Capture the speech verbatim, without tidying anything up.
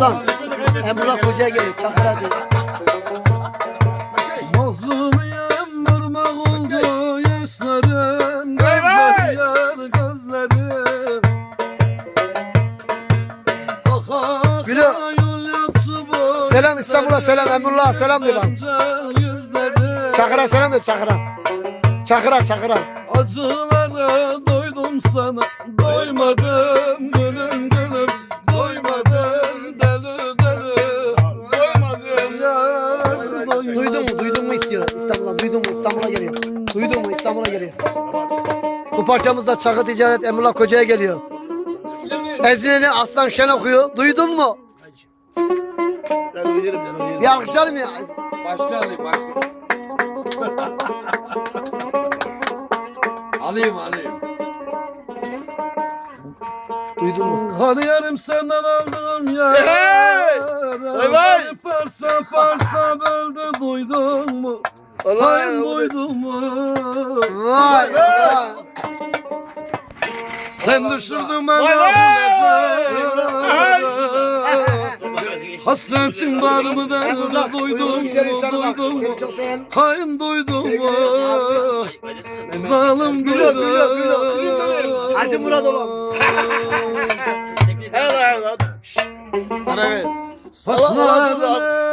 Aslan. Emrullah Koca'ya geliyor. Çakır hadi. Mazlumiyem vurmak oldu yaşlarım. Gözler yar gözlerim. Gülü. Selam İstanbul'a selam. Emrullah selam de lan. Çakır'a selam de Çakır'a. Çakır'a Çakır'a. Acılara doydum sana, doymadım gülüm gülüm, doymadım deli deli, doymadım yar, doymadım. Duydun mu? Duydun mu istiyor İstanbul'a? Duydun mu? İstanbul'a geliyor. Duydun mu? İstanbul'a geliyor. Bu parçamızda Çakır Ticaret Emrullah Koca'ya geliyor. Ezileni Aslan Şen okuyor. Duydun mu? Ben uyuyorum ben uyuyorum. Bir alkışlayalım ya. Başlayalım başlayalım. Alayım alayım. Duydun mu? Hani yarım senden aldım ya. Hey! Vay vay! Parça parça böldü duydun mu? Hayır duydun mu? Vay vay. Sen düşürdün beni hasretin var mı da Emrullah duydun güzel insanı mu? bak. Duydun mu? Seni çok seven. Hain duydun mu? Sevgili Zalim Gülüyor, duydun gülüyor, gülüyor, gülüyor. Hacı Murat olan. Helal lan. Bana ver. Saçlarını